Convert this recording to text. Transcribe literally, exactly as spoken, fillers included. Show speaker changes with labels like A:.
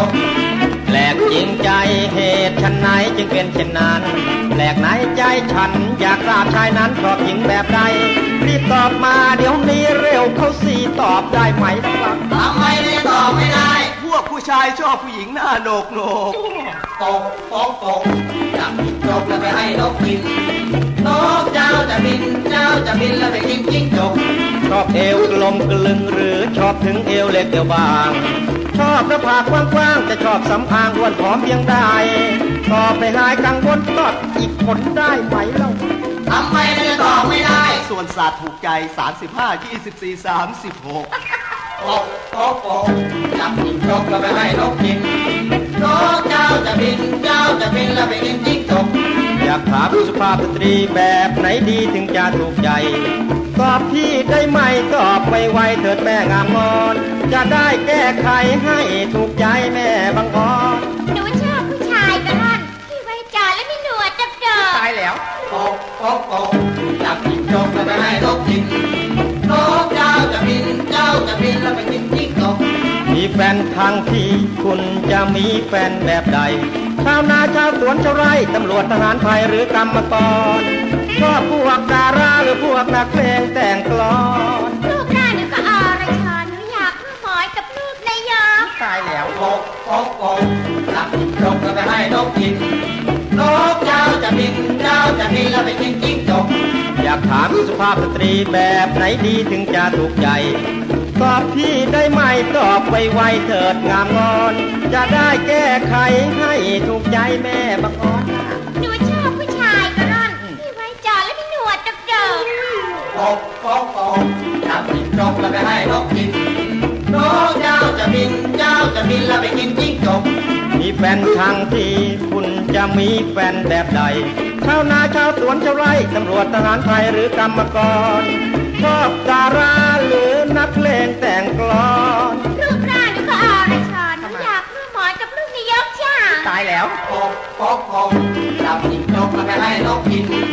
A: กแปลกจริงใจเหตุฉันไหนจึงเป็นเช่นนั้นแปลกไหนใจฉันอยากทราบชายนั้นชอบหญิงแบบใดรีบตอบมาเดี๋ยวนี้เร็วเขาสีตอบได้ไหมครับ
B: ทำไมไม่ตอบไม่ได้
C: พวกผู้ชายชอบผู้หญิงหน้าโหนกโหนก
B: ตกตกตกจับจกแล้วไปให้นกกินนกเจ้าจะบินเจ้าจะบินแล้วไปกินจิ้งจก
A: ชอบเอวกลมกลึงหรือชอบถึงเอวเล็กเอวบางชอบหน้าผากกว้างๆจะชอบสำอางอ้วนผอมเพียงใดตอบไปหายกังวลตอบอีกคนได้ไหมเล่า
B: ทำไมจะตอบไม่ได้
C: ส่วนศาสตร์ถูกใจสามสิบห้า ยี่สิบสี่ สามสิบหก
B: ตกตกตกจับจิ้งจกแล้วไปให้นกกินนกเจ้าจะบินเจ้าจะบินแล้วไปกินจิ้งจก
A: อยากถามสุภาพสตรีแบบไหนดีถึงจะถูกใจตอบพี่ได้ไหมตอบไวๆเถิดแม่งามงอนจะได้แก้ไขให้ถูกใจแม่บางอ่อน
D: หนูชอบผู้ชายกระร่อนที่ไว้จ่าและมีหนวดดับดอ
A: ตายแล้ว
B: ตกตกตกจับจิ้งจกแล้วไปให้นกกินนกเจ้าจะบินเจ้าจะบินแล้วไปกินจิ้งจก
A: มีแฟนทางที่คุณจะมีแฟนแบบใดชาวนาชาวสวนชาวไร่ตำรวจทหารไทยหรือกรรมกรชอบพวกดาราหรือพวกนักเพลงแต่งกลอน
D: ลูกหน้าหนูก็อรชรหนูอยากมาหมอยกับลูกนายก
A: ตายแล้ว
B: ตกตกตกจับจิ้งจกแล้วไปให้นกกินนกเจ้าจะบินเจ้าจะบินแล้วไปกินจิ้งจก
A: อยากถามสุภาพสตรีแบบไหนดีถึงจะถูกใจตอบพี่ได้ไหมตอบไวๆเถิดงามงอนจะได้แก้ไขให้ถูกใจแม่บางอ่อน
D: หนูชอบผู้ชายกระร่อนที่ไว้จ่าและมีหนวดดับดอ
B: ตกตกตกจับจิ้งจกแล้วไปให้นกกินนกเจ้าจะบินเจ้าจะบินแล้วไปกินจิ้งจก
A: มีแฟนทางที่คุณจะมีแฟนแบบใดชาวนาชาวสวนชาวไร่ตำรวจทหารไทยหรือกรรมกรชอบดาราหรือนักเพลงแต่งกลอน
D: รูปร่างหนูก็อรชรหนูอยากมาหมอยกับลูกนายกจ้า
A: ตายแล้ว
B: ตกตกตกจับจิ้งจกแล้วไปให้นกกิน